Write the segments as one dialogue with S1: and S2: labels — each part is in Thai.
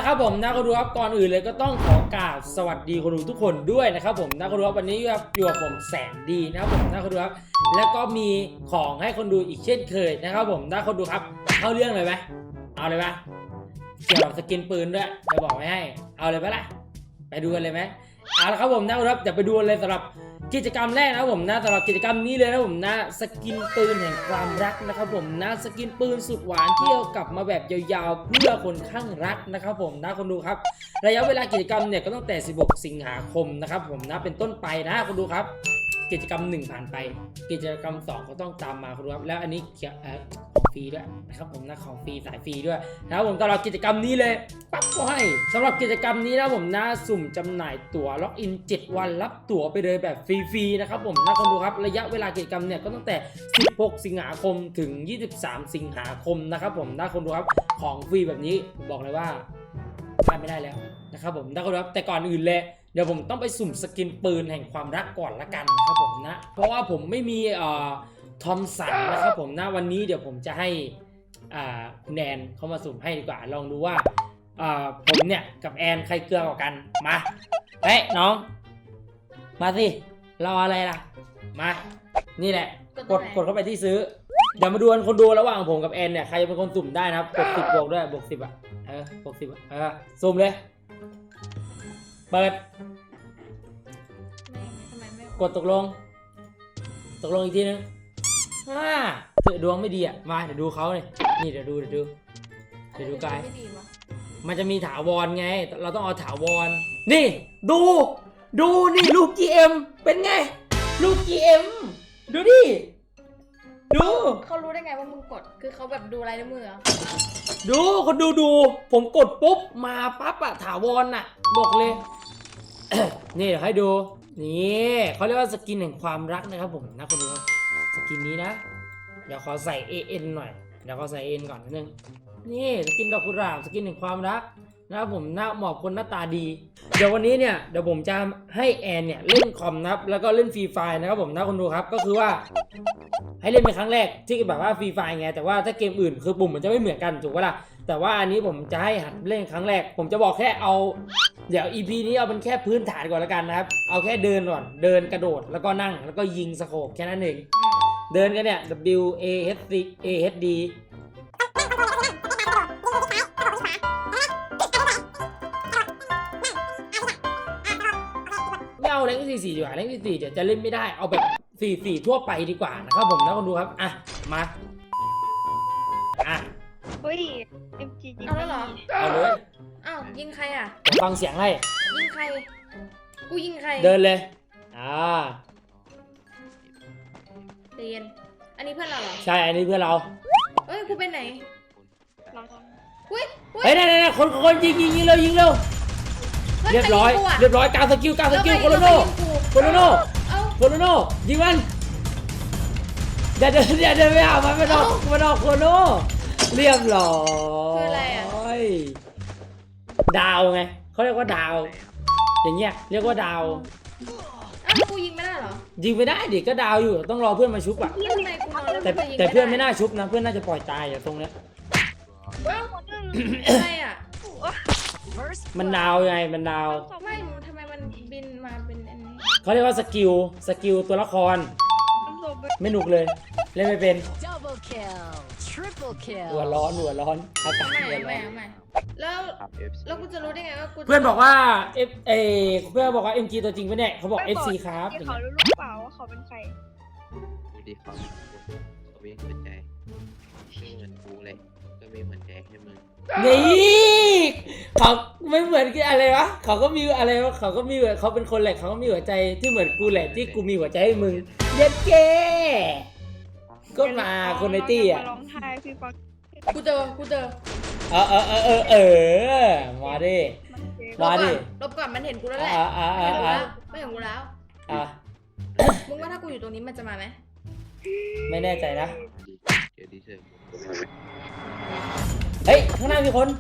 S1: นะครับผมนะคนดูครับก่อนอื่นเลยก็ต้องขอกราบสวัสดีคนดูทุกคนด้วยนะครับผมนะคนดูครับวันนี้ครับอยู่กับผมแสนดีนะครับผมนะคนดูครับแล้วก็มีของให้คนดูอีกเช่นเคยนะครับผมนะคนดูครับเข้าเรื่องเลยไหมเอาเลยไหมเกี่ยวกับสกินปืนด้วยจะบอกไว้ให้เอาเลยไหมล่ะไปดูกันเลยไหมเอาละครับผมนะครับจะไปดูเลยสำหรับกิจกรรมแรกนะครับผมนะสำหรับกิจกรรมนี้เลยนะผมนะสกินปืนแห่งความรักนะครับผมนะสกินปืนสุดหวานที่เอากลับมาแบบยาวๆเพื่อคนข้างรักนะครับผมนะคนดูครับระยะเวลากิจกรรมเนี่ยก็ตั้งแต่16สิงหาคมนะครับผมนะเป็นต้นไปนะคนดูครับกิจกรรม1ผ่านไปกิจกรรม2ก็ต้องตามมาคนดูครับแล้วอันนี้ของฟรีด้วยนะครับผมนะของฟรีสายฟรีด้วยนะครับผมสำหรับกิจกรรมนี้เลยปั๊บก็ให้สำหรับกิจกรรมนี้นะผมนะสุ่มจำหน่ายตั๋วล็อกอิน7วันรับตั๋วไปเลยแบบฟรีๆนะครับผมนะคนดูครับระยะเวลากิจกรรมเนี่ยก็ตั้งแต่16สิงหาคมถึง23สิงหาคมนะครับผมนะคนดูครับของฟรีแบบนี้บอกเลยว่าพลาดไม่ได้แล้วนะครับผมนะคนดูครับแต่ก่อนอื่นเลยเดี๋ยวผมต้องไปสุ่มสกินปืนแห่งความรักก่อนละกันนะครับผมนะเพราะว่าผมไม่มีทอมสันนะครับผมนะวันนี้เดี๋ยวผมจะให้คุณแอนเข้ามาสุ่มให้ดีกว่าลองดูว่าผมเนี่ยกับแอนใครเกลือกว่ากันมาเฮ้ยน้องมาสิรออะไรล่ะมานี่แหละกดเข้าไปที่ซื้อเดี๋ยวมาดูกันคนดูระหว่างผมกับแอนเนี่ยใครเป็นคนสุ่มได้นะครับกด10บวกด้วยบวก10อ่ะบวก10สุ่มเลยเปิดกดตกลงอีกทีนึงเถื่อดวงไม่ดีอ่ะมาเดี๋ยวดูเขาเลยนี่เดี๋ยวดูกายมันจะมีถาวรไงเราต้องเอาถาวรนี่ดูนี่ลูก GM เป็นไงลูก GM ดูดิดู
S2: เขารู้ได้ไงว่ามึงกดคือเขาแบบดูลายนิ้วมือ
S1: ดูคนดูผมกดปุ๊บมาปั๊บอะถาวรอะบอกเลย นี่เดี๋ยวให้ดูนี่เขาเรียกว่าสกินแห่งความรักนะครับผมนะคนดูครับสกินนี้นะเดี๋ยวขอใส่ AN หน่อยเดี๋ยวขอใส่ AN ก่อนนิดนึงนี่สกินดอกกุหลาบสกินแห่งความรักนะครับผมหน้าเหมาะคนหน้าตาดีเดี๋ยววันนี้เนี่ยเดี๋ยวผมจะให้แอนเนี่ยเล่นคอมนะครับแล้วก็เล่นฟรีไฟนะครับผมนะคนดูครับก็คือว่าให้เล่นเป็นครั้งแรกที่แบบว่าฟรีไฟไงแต่ว่าถ้าเกมอื่นคือปุ่มมันจะไม่เหมือนกันถูกปะล่ะแต่ว่าอันนี้ผมจะให้หัดเล่นครั้งแรกผมจะบอกแค่เอาเดี๋ยว EP นี้เอาเป็นแค่พื้นฐานก่อนแล้วกันนะครับเอาแค่เดินก่อนเดินกระโดดแล้วก็นั่งแล้วก็ยิงสโคปแค่นั้นเองเดินกันเนี่ย WASD ไม่เอาแรงที่4ดีกว่าแรงที่4เดี๋ยวจะเล่นไม่ได้เอาแบบ4ทั่วไปดีกว่านะครับผมนะคนดูครับอ่ะมา
S3: เฮ้ย MG ยิง
S2: เอาแล้วเหรอ
S1: เอาเลย
S2: อ้าวยิงใครอ่ะ
S1: เดี๋ยวฟังเสียงให้
S2: ยิงใครกูยิงใคร
S1: เดินเลย
S2: เรียนอันนี้เพื่อนเราเหรอ
S1: ใช่อันนี้เพื่อนเรา
S2: เฮ้ยกูไปไหนเฮ้ย
S1: นี่คนยิงเร็วเรียบร้อยการสกิลโคโลโน่ยิงมันอย่าเดินไม่เอามันไม่ต้องโคโลโน่เรียบร้อย
S2: คืออะไรอ่ะ
S1: ดาวไงเขาเรียกว่าดาวอย่างเงี้ยเรียกว่าดาว
S2: อ้าวกูยิงไม่ได้เหรอ
S1: ยิงไม่ได้ดิก็ดาวอยู่ต้องรอเพื่อนมาชุบอ่ะแต่เพื่อนไม่น่าชุบนะเพื่อนน่าจะปล่อยตายอย่างตรงเนี้ย
S2: อะไรอ่ะ
S1: มันดาวไงมันดาว
S2: ไม่ทำไมมันบินมาเป็นอันนี้
S1: เขาเรียกว่าสกิลตัวละครไม่หนุกเลยเล่นไม่เป็นหัวร้อนอากาศ
S2: ไม่แล้วกูจะรู้ได้ไงว่ากู
S1: เพื่อนบอกว่าเพื่อนบอกว่า MG ตัวจริงปะเนี่ยเขาบอก FC ครับ
S3: เขารู้หรือเปล่าว่าเขาเป็นใคร
S4: ดูดิเขาวิ่งหัวใจไม่เหมือนกูเลยก็มีหัวใจให้มึง
S1: นี่เขาไม่เหมือนกันอะไรวะเขาก็มีอะไรวะเขาก็มีเขาเป็นคนแหละเขาก็มีหัวใจที่เหมือนกูแหละที่กูมีหัวใจให้มึงเย็ดเก้ก็มาคนในตี้อ่ะ
S3: ร้องไห้พี่ฟัง
S2: กูเจอ
S1: มาดิ
S2: ลบก่อนมันเห็นกูแล้วแหละไม่เห็นกูแล้วมึงว่าถ้ากูอยู่ตรงนี้มันจะมาไหม
S1: ไม่แน่ใจนะเฮ้ยข้างหน้ามีคน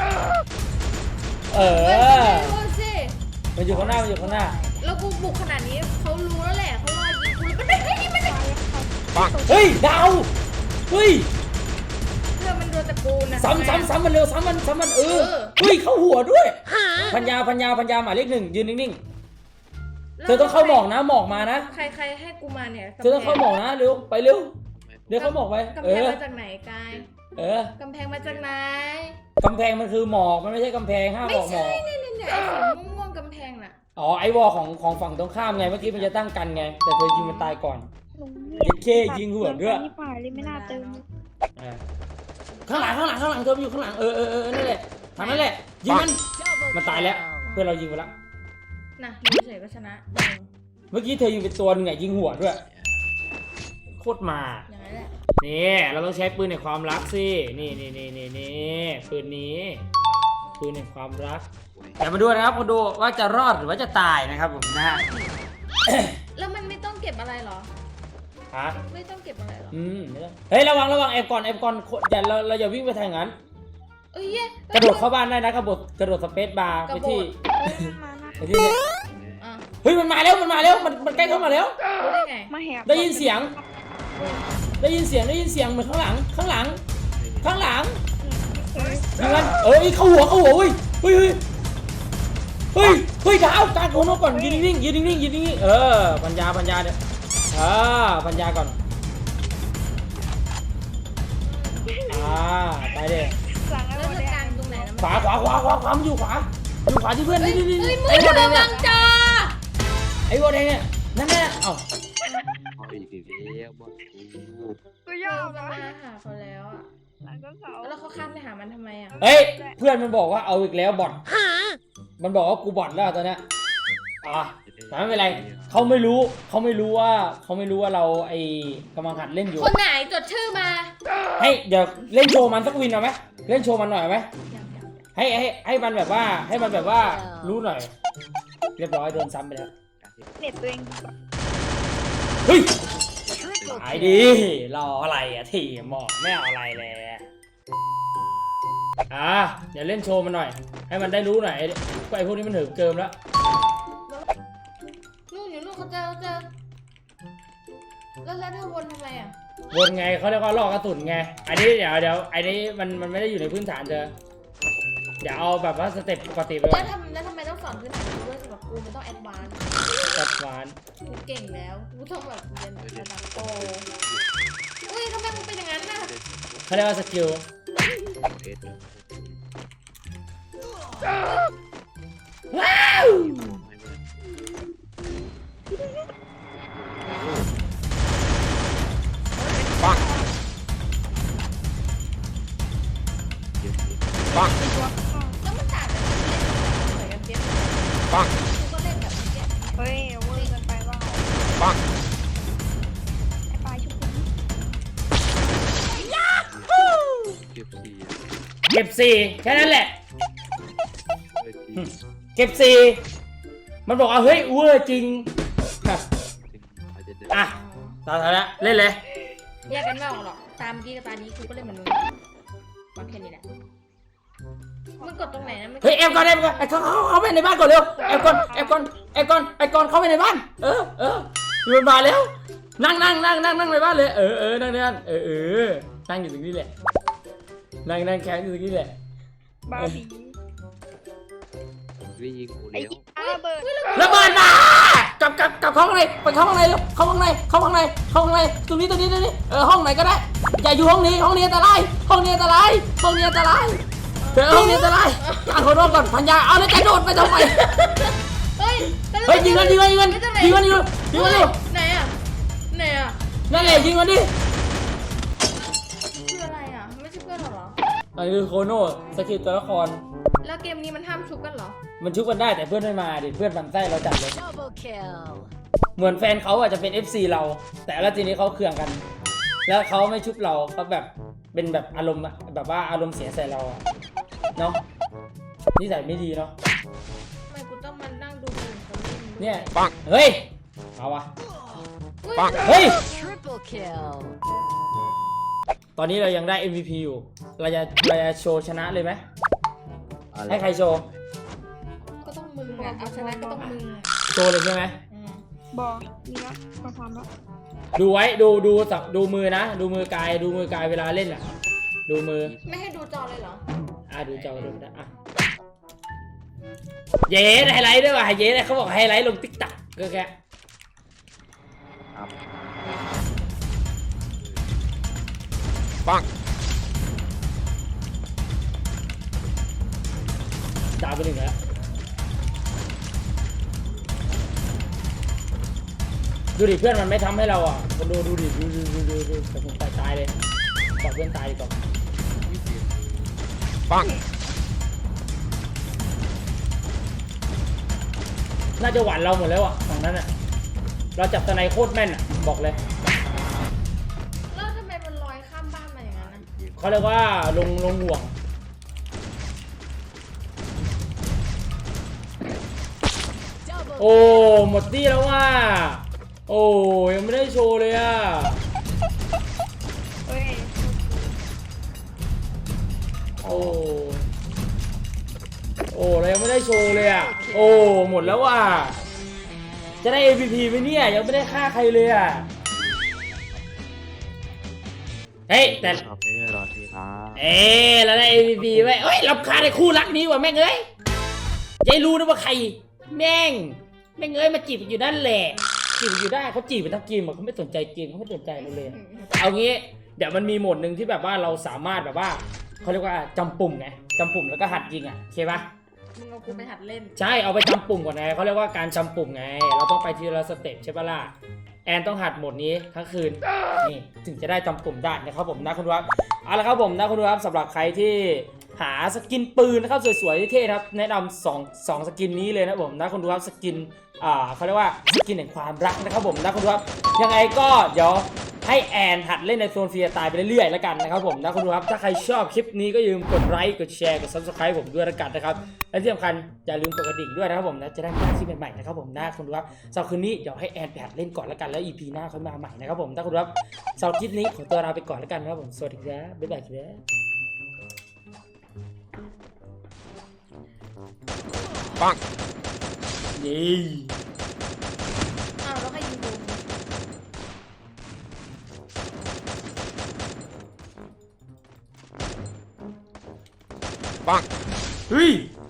S1: มันอยู่ข้างหน้า
S2: แล้วกูบุกขนาดนี้เขารู้แล้วแหละเขารอยิงกูมันได้
S1: เฮ้ยดาวเฮ้ย
S2: เพื่อมันโดนตะกูลนะ
S1: ซ้ำมันเร็วซ้ำมันเออเฮ้ยเข้าหัวด้วยพัญญาหมายเลขหนึ่งยืนนิ่งๆเธอต้องเข้าหมอกนะหมอกมานะ
S2: ใครให้กูมาเนี่ย
S1: เธอต้องเข้าหมอกนะเร็วไปเร็วเดี๋ยวเข้าหมอกไป
S2: กำ
S1: เอ
S2: แพง
S1: อ
S2: มาจากไหนกาย กำแพงมาจากไหน
S1: กำแพงมันคือหมอกมันไม่ใช่กำแพงห้ามบอกหมอก
S2: เนี่ยไอ้สีม่วงกำแพงน่ะ
S1: อ๋อไอวอลของฝั่งตรงข้ามไงเมื่อกี้มันจะตั้งกันไงแต่เธอยิงมันตายก่อน
S3: ลุง
S1: เย็ดเข้ยิงหัวด้วย
S3: นี่ป่าเลยไม่น่าเติม
S1: ข้างหลังเธอมันอยู่ข้างหลังนั่นแหละทางนั้นแหละยิงมันตายแล้วเพื่อนเรายิงไปแล้ว
S2: น่ะอยู่เฉยก็ชนะ
S1: เมื่อกี้เธอยิงไปตัวนึงไงยิงหัวด้วยโคตรมา
S2: อย่างนั้นแหละ
S1: นี่เราต้องใช้ปืนในความรักสินี่ปืนนี้ปืนในความรักแต่มาดูนะครับมาดูว่าจะรอดหรือว่าจะตายนะครับผมนะฮะ
S2: แล้วมันไม่ต้องเก็บอะไรหรอ
S1: ฮะ
S2: ไม่ต้องเก็บอะไรหรอ
S1: ไม่ต้องเฮ้ยระวังแอบก่อนอย่าเราอย่าวิ่งไปทางนั้น
S2: เอ้ยเย้
S1: กระโดดเข้าบ้านได้นะกระโดดสเปซบาร์ไปที่
S3: มานะ
S1: ไปที่เนี่ย
S2: อ่ะ
S1: เฮ้ยมันมาแล้วมันใกล้เข้ามาแล้ว
S2: รู้ได้ไง
S3: มาแหบ
S1: ได้ยินเสียงเหมือนข้างหลังอย่างนั้นเข้าหัวเว้ยเฮ้ยดาวการโคนก่อนยืนนิ่งปัญญาเนี่ยปัญญาก่อนไปเลย
S3: หลังไอ้
S2: แล้ว
S3: โม
S2: จะ
S3: เด
S2: กาง
S3: ล
S2: ตรงไหนนะ
S1: ขวามันอยู่ขวาที่เพื่อนนี่
S2: เฮ้ย
S1: ไอ้
S2: มื
S1: วอ
S2: อ
S1: แด
S2: ระ
S1: งเนี่
S2: วั
S1: ย
S2: งจอ
S1: ไอ้วอแดงเนี่ยนั่นแน่เอ้า
S4: เอาอีกแล้วบอกกู
S3: ก็ย
S2: เรา
S3: อม
S2: จะ
S3: นะ
S2: มาหาเขาแล้วอ่ะ
S3: หลังก็เสา
S2: แล้วเขาข้ามไปหามันทำไมอ่ะ
S1: เฮ้ยเพื่อนมันบอกว่าเอาอีกแล้วบอทมันบอกว่ากูบอทแล้วตอนเนี้ยแต่ไม่เป็นไรเขาไม่รู้ว่าเราไอ้กำลังหัดเล่นอยู่
S2: คนไหนจดชื่อมา
S1: ให้เดี๋ยวเล่นโชว์มันสักวินเอาไหมเล่นโชว์มันหน่อยไหม
S2: อย่าง
S1: ให้มันแบบว่ารู้หน่อย เรียบร้อยโดนซ้ำไปแล้ว
S3: เน็ตตัวเอง
S1: เฮ้ยหายดีรออะไรอะทีหมอกไม่เอาอะไรเลยเดี๋ยวเล่นโชว์มันหน่อย ให้มันได้รู้หน่อยไอ้พวกนี้มันถึงเกิมแล้ว
S2: นู่นอยู่นู่นเขาเจอแล้วเธอวนทำไมอ่ะ
S1: วนไงเขาเรียกว่าล่อกระสุนไงอันนี้เดี๋ยวอันนี้มันไม่ได้อยู่ในพื้นฐานเธอเดี๋ยวเอาแบบว่าสเต็ปปกติไปก่
S2: แล้
S1: อ
S2: วน ทำไมต้องสอนพื้นฐานด้วยสำหรับกูมันต้องแอดวานซ์
S1: ตัดหวาน
S2: กูเก่งแล้วกูต้องแบบเรียนแบบระดับโปรอุ้ยทำไมมึงเป็นอย่างนั้นน่ะ
S1: เขาเรียกว่าสกิล
S4: เอ็ด
S1: ว้าว
S4: ปัง
S2: แล้วมันต่างกันเหมือนกันเปี๊ยก
S4: ปัง
S2: กูก็เล่นแบบเนี้ย
S3: เฮ้ยเวอร์เกินไปว่า
S4: ปัง
S3: ไอ้ปลายชุบคุณ
S4: เก็บสี่
S1: เก็บ4แค่นั้นแหละ
S4: เลยที
S1: เก็บ4มันบอกว่าเฮ้ยเวอร์จริง
S4: อาจจะเดิน
S1: อ่ะตาแล้วเล่นเลย
S2: แยกกันไม่ออกหรอกตามกี้กับตานี้กูก็เล่นเหมือนมึงมาแค่นี้แหละมึงกดตรงไหนนะ
S1: เฮ้ยแอบก่อนไอ้เขาไปในบ้านก่อนเร็วแอบก่อนเข้าไปในบ้านอยู่บนบ้านแล้วนั่งในบ้านเลยนั่งนั่งอยู่ตรงนี้แหละนั่งแคมป์อยู่ตรงนี้แหละ
S3: บาร์บี
S4: วิ่งยิงกู
S3: ไอ้
S4: แล้ว
S3: อาระเบิด
S1: ระเบิดมากลับเข้าข้างในไปเข้าข้างในเร็วเข้าข้างในตรงนี้ห้องไหนก็ได้อย่าอยู่ห้องนี้อันตรายเดี๋ยวห้องนี้อันตรายอ่านคนรอดก่อนพันยาเอาแล้วจะโดดไปทำไม
S2: เฮ้ย
S1: ยิงมันอยู่
S2: ไหนอ่ะ
S1: นั่นแหละยิงมันดิ
S2: คืออะไรอ่ะไม่ใช่เพื่อนเหรอ
S1: อันนี้คือโคโน่สกิลตัวละคร
S2: แล้วเกมนี้มันห้ามชุบกันเหรอ
S1: มันชุบกันได้แต่เพื่อนไม่มาดิเพื่อนมันไส้เราจัดเลย
S5: Double kill.
S1: เหมือนแฟนเขาอาจจะเป็น FC เรา แต่แล้วทีนี้เขาเคืองกัน แล้วเขาไม่ชุบเราเขาแบบเป็นแบบอารมณ์แบบว่าอารมณ์เสียใส่เราอะเนาะนิสัยไม่ดีเนาะ
S2: ทำไมกูต้องมานั่งดูคนอื่นเขาเล่นด้วย
S1: เนี่ย
S4: ปัง
S1: เฮ้ยเอาวะ
S2: อุ๊ย
S4: ปัง
S1: เฮ้ย
S5: Triple kill.
S1: ตอนนี้เรายังได้ MVP อยู่เราจะโชว์ชนะเลยไหม
S4: อะไร
S1: ให้ใครโชว์
S2: ก็ต้องมึงอ่ะเอาชนะก็ต้องมึงอ่ะ
S1: โชว์เลยใช่ไหม
S3: บอมีแล้วมาทำแล้ว
S1: ดูไว้ดูมือนะดูมือกายเวลาเล่นอ่ะดูมือ
S2: ไม่ให้ดูจอเลยเหรอ
S1: ดูจอดูนะเย้ไฮไลท์ด้วยว่ะเย้เขาบอกไฮไลท์ลงติ๊กต็อกก็แค่
S4: ครับ
S1: ดาวไปหนึ่งแล้วดูดิเพื่อนมันไม่ทำให้เราอ่ะคนดูดิดูแต่ผมตายเลยบอกเพื่อนตายดีกว่าน่าจะหวานเราหมดแล้วอ่ะฝั่งนั้นอ่ะเราจับตะไนโคตรแม่นอ่ะบอกเลย
S2: แล้วทำไมมันลอยข้ามบ้านมาอย่างนั้นนะ
S1: เขาเรียกว่าลงห่วง
S5: Double
S1: โอ้หมดที่แล้วว่าโอ้ยังไม่ได้โชว์เลยอ่ะ
S3: เฮ้ย
S1: โอ้เรายังไม่ได้โชว์เลยอ่ะโอ้หมดแล้วว่ะจะได้ MVP ไหมเนี่ยยังไม่ได้ฆ่าใครเลยอ่ะเฮ้ยแต่
S4: ชอบไม่ได้รอทีนะ
S1: เราได้ MVP ไว้เอ้ยรำคาญในคู่รักนี้ว่ะแม่งเอ้ยจะรู้นะว่าใครแม่งเอ้ยมาจีบอยู่นั่นแหละจีบอยู่ได้เขาจีบไปทั้งเกมเขาไม่สนใจเกมเขาไม่สนใจเราเลยเอางี้เดี๋ยวมันมีโหมดหนึ่งที่แบบว่าเราสามารถแบบว่าเขาเรียกว่าจำปุ่มไงจำปุ่มแล้วก็หัดยิงอ่ะโอเคปะ
S2: มึงเอากูไปหัดเล่น
S1: ใช่เอาไปจำปุ่มก่อนไงเขาเรียกว่าการจำปุ่มไงเราต้องไปทีละสเต็ปใช่ปะล่ะแอนต้องหัดโหมดนี้ทั้งคืนนี่ถึงจะได้จำปุ่มได้นะครับผมนะคุณดูครับเอาละครับผมนะคุณดูครับสำหรับใครที่หาสกินปืนนะครับสวยๆเท่ๆครับแนะนำสองสกินนี้เลยนะผมนะคุณดูครับสกินเขาเรียกว่าสกินแห่งความรักนะครับผมนะคุณดูครับยังไงก็เดี๋ยวให้แอนหัดเล่นในโซนฟรีสไตล์ไปเรื่อยๆแล้วกันนะครับผมนะคุณดูครับถ้าใครชอบคลิปนี้ก็อย่าลืมกดไลค์กดแชร์กด Subscribe ผมด้วยแล้วกันนะครับและที่สำคัญอย่าลืมกดกระดิ่งด้วยนะครับผมนะจะได้ไม่พลาดคลิปใหม่ๆนะครับผมนะคุณดูครับสำหรับคืนนี้เดี๋ยวให้แอนไปหัดเล่นก่อนแล้วกันแล้ว EP หน้าค่อยมาใหม่นะครับผมนะคุณดูครับสำหรับคลิปนี้ขอตัวลาไปก่อนแล้วกันนะครับผมสวัสดีครับบ๊ายบายครับปังนี่
S2: อ้าวแล้วใครยิงกู
S1: ปังเฮ้ย